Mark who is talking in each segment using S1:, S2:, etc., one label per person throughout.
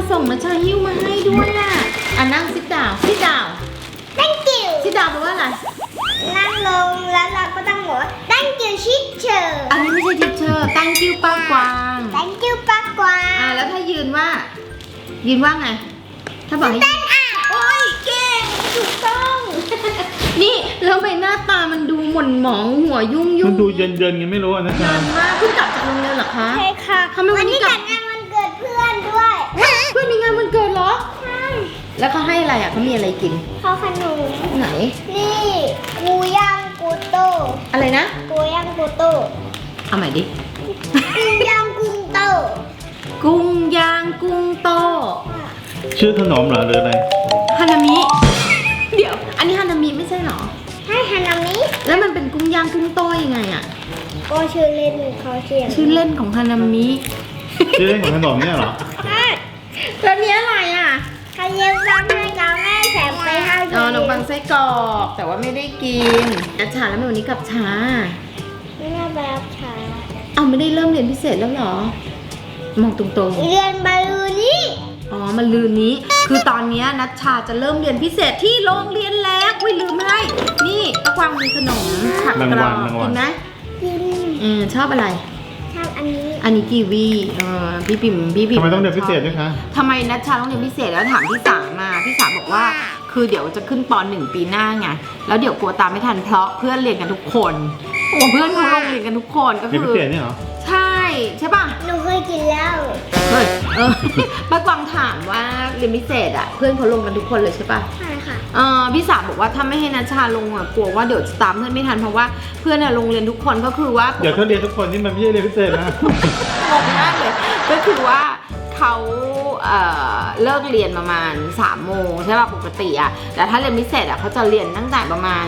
S1: ส่งนะชาหิ้วมาให้ด้วยอ่ะนั่งซิดดาวซิดดาว
S2: thank you
S1: ซิดดาวแปลว่าอะไร
S2: นั่งลงแล้วเราก็ต้องบอกว่า thank you teacher
S1: อันนี้ไม่ใช่ทิชเชอร์ thank you ป้ากวาง
S2: thank you ป้ากวาง
S1: แล้วถ้ายืนว่าไงถ้าบอกให้
S2: stand up
S1: โอ้ยเก่งถูกต้อง นี่แล้วใบหน้าตามันดูหม่นหมองหัวยุ่ง
S3: มันดูเย็นๆไงไม่รู้อะนะ
S1: เยินมากเพิ่งกลับจากโรงเรียนเหรอคะ
S2: ใช่ค่ะ
S1: ทำไมวันนี้
S2: จัดงานวันเกิดเพื่อนด้วย
S1: เพื่อนมีงานวันเกิดเหรอ
S2: ใช่
S1: แล้วเขาให้อะไรอ่ะเขามีอะไรกิน
S2: เขาขนม
S1: ไหน
S2: นี่กูย่างกูโต
S1: อะไรนะ
S2: กูย่างกูโต
S1: เอาใหม่ดิ
S2: กูย่างกุ้งโต
S1: กุ้งย่างกุ้งโต
S3: ชื่อขนมเหรอหรืออะไร
S1: ฮานามิ เดี๋ยว อันนี้ฮานามิไม่ใช่เหรอ
S2: ให้ฮานามิ
S1: แล้วมันเป็นกุ้งย่างกุ้งโตยังไงอ่ะ
S2: ก็ชื่อเล่นเขาเขียน
S1: ชื่อเล่นของฮานามิ
S3: ชื่อเล่นของขนมเนี่ยเหรอ
S2: ใช่
S1: แล้วเนี้ยอะไรอ่ะ
S2: เขาเย็บซ้ำให้เราแม่แถมไปให้
S1: อ๋อขนมปังไส้กรอกแต่ว่าไม่ได้กินนัชชาแล้วทำไมวันนี้กลับช้า
S2: ไม่น่าไปรับช้า
S1: เอาไม่ได้เริ่มเรียนพิเศษแล้วเหรอ มองตรง
S2: เรียนบาลูนี่
S1: ๆ อ๋อมันลืนนี้ คือตอนเนี้ยนัชชาจะเริ่มเรียนพิเศษที่โรงเรียนแล้วอุ้ยลืมให้ นี่ตะกวางมีขนมผักกรอบกินไหม
S2: กิน
S1: ชอบอะไร
S2: ชอบอันนี้
S1: อันนี้กีวีพี่ปิ่ม
S3: ทำไมต้องเรียนพิเศษด้วยคะ
S1: ทำไมนัชชาต้องเรียนพิเศษแล้วถามพี่สามาพี่สาบอกว่า คือเดี๋ยวจะขึ้นป .1 ปีหน้าไงแล้วเดี๋ยวกลัวตามไม่ทันเพราะเพื่อนเรียนกันทุกคนเพื่อนเขาลงเรียนกันทุกคนก็
S3: เรียน
S1: คื
S3: พิ
S1: อ
S3: เศษเนี่ยเหรอ
S1: ใช่ป่ะ
S2: หนูเคยกินแล้ว
S1: เฮ้ยป้ากวางถามว่าเรียนพิเศษอ่ะเพื่อนเขาลงกันทุกคนเลยใช่ป่ะ
S2: ใช่ค่ะ
S1: พี่สาวบอกว่าถ้าไม่ให้นัชชาลงอ่ะกลัวว่าเดี๋ยวจะตามเพื่อนไม่ทันเพราะว่าเพื่อนอะลงเรียนทุกคนก็คือว่า
S3: เดี๋ยวเขาเรียนทุกคนนี่มันไม่ใช่เรียนพิเศษนะ
S1: งงมากเลยก็คือว่าเขาเลิกเรียนประมาณ3 โมงใช่ป่ะปกติอ่ะแต่ถ้าเรียนพิเศษอ่ะเขาจะเรียนตั้งแต่ประมาณ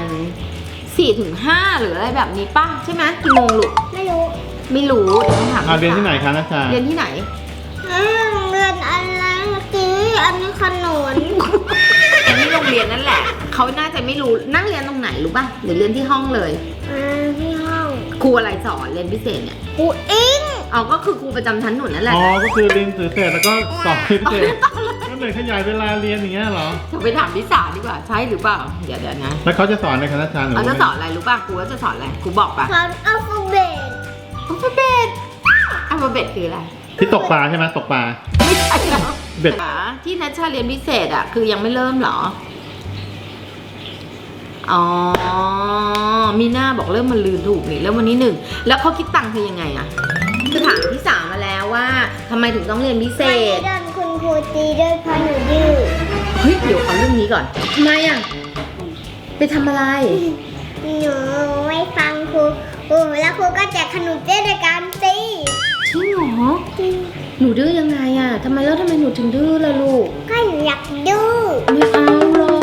S1: 4 ถึง 5หรืออะไรแบบนี้ป่ะใช่ไหมกี่โมงลูก
S2: ไม่รู้
S1: ไม่รู้เดี๋ยวต้องถาม
S3: เรียนที่ไหนคะนัชชา
S1: เรียนที่ไหน
S2: เรียนอะไรเมื่อกี้อันนี้ขนม
S1: อันนี้โรงเรียนนั่นแหละเขาน่าจะไม่รู้นั่งเรียนตรงไหนรู้ป่ะหรือเรียนที่ห้องเลย
S2: ที่ห้อง
S1: ครูอะไรสอนเรียนพิเศษเนี่ย
S2: กูอิง
S1: เอาก็คือครูประจำชั้นหนูนั่นแหละ
S3: อ๋อ ก็คือเรียนสื่อเสร็จแล้วก็สอบพิเศษก็เลยขยายเวลาเรียนอย่างเงี้ยเหรอ
S1: จะไปถามพี่สาดีกว่าใช่หรือเปล่าเดี๋ยวนะ
S3: แล้วเขาจะสอนในคณะชาหนู
S1: เขาจะสอนอะไรรู้ป่ะครูก็จะสอนอะไรครูบอกป่ะ
S2: สอนอัลฟาเบต
S1: อัลฟาเบตอัลฟาเบตคืออะไร
S3: ที่ตกปลาใช่ไหมตกปลา
S1: ไม่ใช่หรอ
S3: เบ็ด
S1: ที่นัชชาเรียนพิเศษอ่ะคือยังไม่เริ่มเหรออ๋อมีหน้าบอกเริ่มมันลืมถูกนี่เริ่มวันนี้1แล้วเขาคิดตังค์เธอยังไงอ่ะคือถามพี่สาวมาแล้วว่าทำไมถึงต้องเรียนพิเศ
S2: วันนี้
S1: ษ
S2: โดนคุณครูตีด้วยเพราะหนูดื้อ
S1: เฮ้ยเดี๋ยวเอาเรื่องนี้ก่อนทำไมอ่ะไปทำอะไร
S2: หนูไม่ฟังครูแล้วครูก็แจกขนมเจ๊ในการตี
S1: จริงเหรอหนูดื้อยังไงอ่ะทำไมหนูถึงดื้อล่ะลูก
S2: ก็หนูอยากดื้อ
S1: ไม่เอาหรอก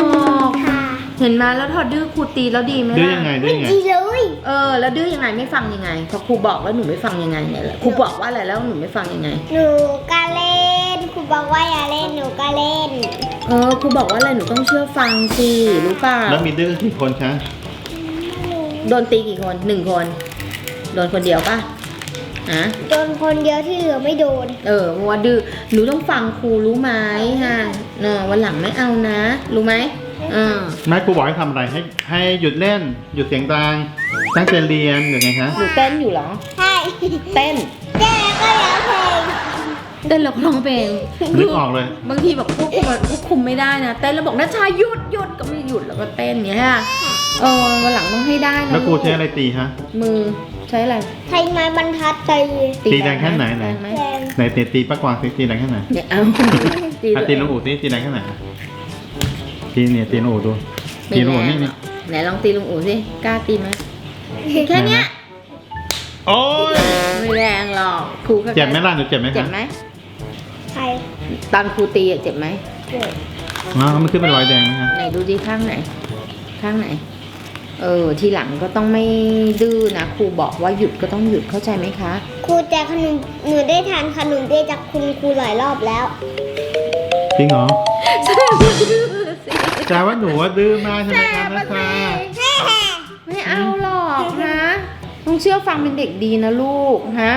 S2: ค่ะ
S1: เห็นมาแล้วพอดื้อครูตีแล้วดีไหม
S3: ดื้อ
S1: ล่ะ
S3: ยังไงดื้อ
S2: ไม่
S3: ยังไง
S2: ดีเลย
S1: แล้วดื้อยังไงไม่ฟังยังไงพอครูบอกแล้วหนูไม่ฟังยังไงเนี่ยแหละครูบอกว่าอะไรแล้วหนูไม่ฟังยังไง
S2: หนูก็เล่นครูบอกว่าอย่าเล่นหนูก็เล่น
S1: ครูบอกว่าอะไรหนูต้องเชื่อฟังสิรู้เปล่า
S3: แล้วมีดื้อกี่คนคะ
S1: โดนตีกี่คน1 คนโดนคนเดียวป่ะฮะ
S2: โดนคนเดียวที่เหลือไม่โดน
S1: เพราะว่าดื้อหนูต้องฟังครูรู้ไหมฮะวันหลังไม่เอานะ รู้ไหม
S3: แม่ครูบอกให้ทำอะไรให้หยุดเล่นหยุดเสียงดังตั้งใจเรียนหรือไงคะ
S1: หนูเต้นอยู่เหรอ
S2: ใช่
S1: เต้น
S2: เจ๊ก็แล้วเพลง
S1: เต้นแล้วก็ร้องเพลง
S3: นึกออกเลย
S1: บางทีแบบควบคุมไม่ได้นะเต้นแล้วบอกนัชชาหยุดก็ไม่หยุดแล้วก็เต้นเนี้ยค่ะวันหลังต้องให้ได้นะ
S3: แล้วครูใช้อะไรตีฮะ
S1: มือใช้อะไร
S2: ใช้ไม้บรรทัดตี
S3: ตีแรงแค่ไหน
S1: แรงไหม
S2: แรง
S3: ไหนตีป้ากวางตีแรงแค่ไหน
S1: เนี่ยเอาตี
S3: ตีลุงอู๋ตีแรงแค่ไหนตีเนี่ยตีลุงอู๋ดูตีลุงอู๋นี่
S1: ไหนลองตีลุงอู๋สิกล้าตีไหมแค่เนี้ย
S3: โอ้ย
S1: ไม่แรงหรอกครูก็
S3: เจ็บไหมล่ะหนูเจ็บไหม
S1: เจ็บ
S3: คะ
S1: ไหม
S2: ใคร
S1: ตอนครูตีเจ็บไหม
S2: เกิด
S3: อ๋อมันขึ้นเป็นรอยแดงนะคะ
S1: ไหนดูดิข้างไหน ข้างไหน ทีหลังก็ต้องไม่ดื้อนะครูบอกว่าหยุดก็ต้องหยุดเข้าใจไหมคะ
S2: ครูแจกขนมหนูได้ทานขนมเจ๊จากคุณครูหลายรอบแล้ว
S3: จริงเหรอ
S1: แสดงว่าดื้อสิ
S3: แต่ว่าหนูว่าดื้อมากใช่ไหมคะนัชชา
S1: ไม่เอาหรอกนะต้องเชื่อฟังเป็นเด็กดีนะลูกฮะ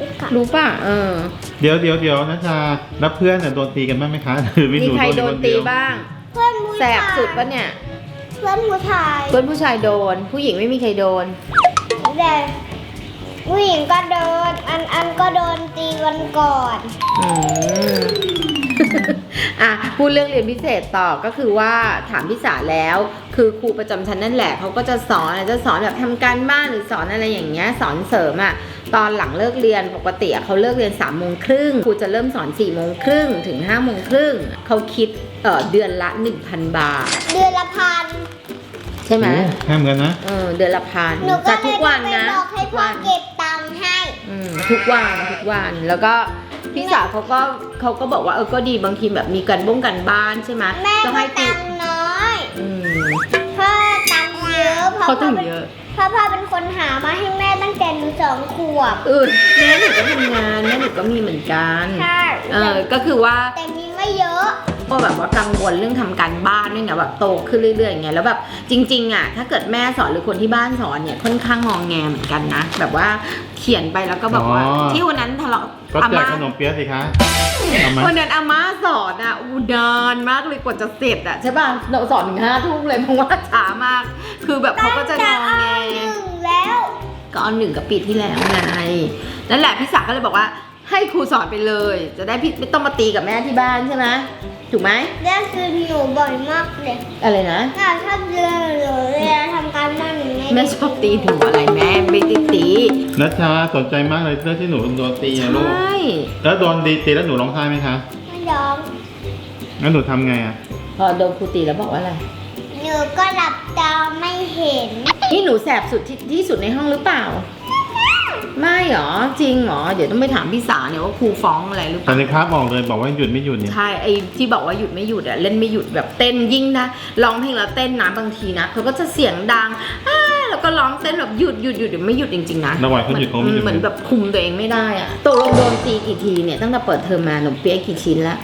S2: ค่ะ
S1: รู้ป่ะ
S3: เดี๋ยวนะชาแล้วเพื่อนเนี่ยโดนตีกันบ้างไหมคะหรือมีห
S1: มี
S3: นู
S1: ใคร
S3: โดน
S1: โด
S3: คน น
S1: ตี
S3: เดียว
S1: บ้าง
S2: เพื่อนผู้
S1: แส
S2: ชาย
S1: บสุดปะเนี่ย
S2: เพื่อนผู้ชาย
S1: เพื่อนผู้ชายโดน ผู้หญิงไม่มีใครโดน
S2: แต่ผู้หญิงก็โดนอันก็โดนตีวันก่อน
S1: อืม อ่ะพูดเรื่องเรียนพิเศษต่อก็คือว่าถามพี่สาแล้ว คือครูประจำชั้นนั่นแหละเขาก็จะสอนแบบทำการบ้านหรือสอนอะไรอย่างเงี้ยสอนเสริมอ่ะตอนหลังเลิกเรียนปกติเขาเลิกเรียน3 โมงครึ่งครูจะเริ่มสอน4 โมงครึ่งถึง5 โมงครึ่งเขาคิดเดือนละ 1,000 บาท
S2: เดือนละพัน
S1: ใช่ไหม
S3: โอ้แค่เหมือนกันนะ
S1: เดือนละพัน
S2: หนูก็
S1: แต่
S2: เล
S1: ทุ
S2: ย
S1: กวัน
S2: ไป
S1: นะ
S2: บอกให้พ่อเก็บตังค์ให้
S1: ทุกวันแล้วก็พี่สาวเขาก็บอกว่าก็ดีบางทีแบบมีกันบ้านใช่ไหม
S2: แม่
S1: ก็
S2: ก็
S1: ให้
S2: ตังค์น้อย
S1: อืม
S2: พ่อตังค์เยอะเพราะ
S1: เขา
S2: พ่
S1: ถึ
S2: อง เป็น
S1: เยอะ
S2: เพราะพ่อเป็นคนหามาให้แม่ตั้งแต่หนู2 ขวบ
S1: แม่หนูก็ทำงานแม่หนูก็มีเหมือนกัน
S2: ใช่
S1: ก็คือว่า
S2: แต่มีไม่เยอะ
S1: ก็แบบว่ากังวลเรื่องทำการบ้านด้วยไงแบบโตขึ้นเรื่อยๆอย่างเงี้ยแล้วแบบจริงๆอ่ะถ้าเกิดแม่สอนหรือคนที่บ้านสอนเนี่ยค่อนข้างงองแงเหมือนกันนะแบบว่าเขียนไปแล้วก็แบบว่าที่วันนั้นทะเลาะ
S3: ก็
S1: อา
S3: แจก
S1: ม่า
S3: ขนมเปี๊ยะสิคะเอามา
S1: วันนั้นอาม่าสอนอ่ะนานมากเลยกว่าจะเสร็จอ่ะใช่ป่ะเราสอนถึง5 ทุ่มเลยเพราะว่าช้ามาก คือแบบเขาก็จะงองแง
S2: 1 แล้ว
S1: ก็เอา1กับปีที่แล้วไงนั่นแหละพี่ศักดิ์ก็เลยบอกว่าให้ครูสอนไปเลย จะได้พี่ไม่ต้องมาตีกับแม่ที่บ้านใช่ไหมถูกไหม
S2: เรื่องคือหนูบ่อยมากเลย
S1: อะไรนะ
S2: แม่ชอบเรื่องหนูเวลาทำการบ้านหนู
S1: แม่ชอบตีหนูอะไรแม่ไม่ได้ตี
S3: นัชชาสนใจมากเลยเรื่องที่หนูโดนตีอะลูก
S1: ใช่
S3: แล้วโดนตีแล้วหนูร้องไห้ไหมคะ
S2: ไม่ยอม
S3: งั้นหนูทำไงอะ
S1: พอโดนครูตีแล้วบอกว่าอะไร
S2: หนูก็หลับตาไม่เห็น
S1: นี่หนูแสบสุดที่สุดในห้องหรือเปล่า ไม่หรอจริงหรอเดี๋ยวต้องไปถามพี่สาเนี่ยว่าครูฟ้องอะไรหรือเป
S3: แต่
S1: ล่า
S3: ในคราบบอกเลยบอกว่าหยุดไม่หยุดเนี่ย
S1: ใช่ไอ้ที่บอกว่าหยุดไม่หยุดอะเล่นไม่หยุดแบบเต้นยิ่งนะร้องเพลงแล้วเต้นนะบางทีนะเขาก็จะเสียงดังแล้วก็ร้องเต้นแบบหยุดเดี๋ยวไม่หยุดจริงๆนะ
S3: ระหว่างเขาหยุดเขาไม่หยุด
S1: เหมือนแบบคุมตัวเองไม่ได้อะตกลงโดนตีกี่ทีเนี่ยตั้งแต่เปิดเทอมมาหนมเปี๊ยะกี่ชิ้นละ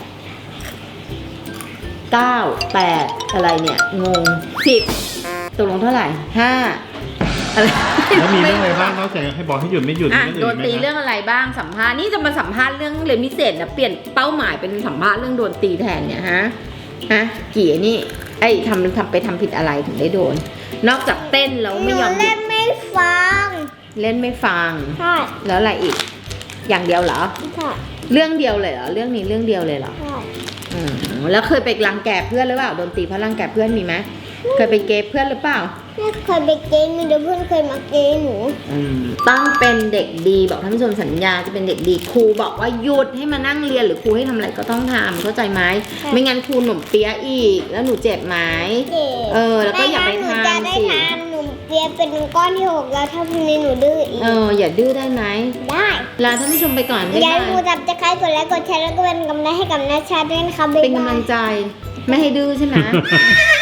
S1: 9 8อะไรเนี่ยงง10ตกลงเท่าไหร่5อะไร
S3: แล้วมีเรื่องอะไรบ้างนอกจากให้บอกให้หยุดไม่หยุด
S1: อ่ะ
S3: มี
S1: โด
S3: เรื่อน ง
S1: ตี
S3: อื่นไหม
S1: เรื่องอะไรบ้างสัมภาษณ์นี่จะมาสัมภาษณ์เรื่องเรียนพิเศษนะเปลี่ยนเป้าหมายเป็นสัมภาษณ์เรื่องโดนตีแทนเนี่ยฮะกี่นี่ไอ้ทำไปทำผิดอะไรถึงได้โดน นอกจากเต้นแล้ว
S2: ห
S1: ไม่
S2: นู
S1: ยอมหยุ
S2: เล่
S1: ด
S2: นไม่ฟัง
S1: เล่นไม่ฟัง
S2: ใช่
S1: แล้วอะไรอีก อย่างเดียวเหรอ
S2: ใช่
S1: เรื่องเดียวเลยเหรอเรื่องนี้เรื่องเดียวเลยเหรอ
S2: ใช่
S1: แล้วเคยไปรังแกเพื่อนหรือเปล่าโดนตีเพราะรังแกเพื่อนมีไหมเคยไปเกย์เพื่อนหรือเปล่า
S2: ไม่เคยไปเกมมีแต่เพื่อนเคยมาเกมหนู
S1: ต้องเป็นเด็กดีบอกท่านผู้ชมสัญญาจะเป็นเด็กดีครูบอกว่าหยุดให้มานั่งเรียนหรือครูให้ทำอะไรก็ต้องทำเข้าใจไหมไม่งั้นครูหนุ่มเปี๊ยะอีกแล้วหนูเจ็บไหม
S2: เจ็บ
S1: แล้วก็อย่าไป
S2: ม่งั้นหนูจะได้
S1: ทำสิ
S2: ทานหนูเปียเป็นก้อนที่ 6 แล้วถ้าพรุ่งนี้หนูดื้ออีก
S1: อย่าดื้อได้ไหม
S2: ได้
S1: ลาท่านผู้ชมไปก่อนบ๊าย
S2: อย่า
S1: บา
S2: ลืม
S1: ย
S2: จับจะใครกดไลค์กดแชร์แล้วก็เป็นกำลังใจให้กับนัชชาด้วยนะคะบ๊าย
S1: เป็น
S2: บาย
S1: กำลังใจไม่ให้ดื้อใช่ไหม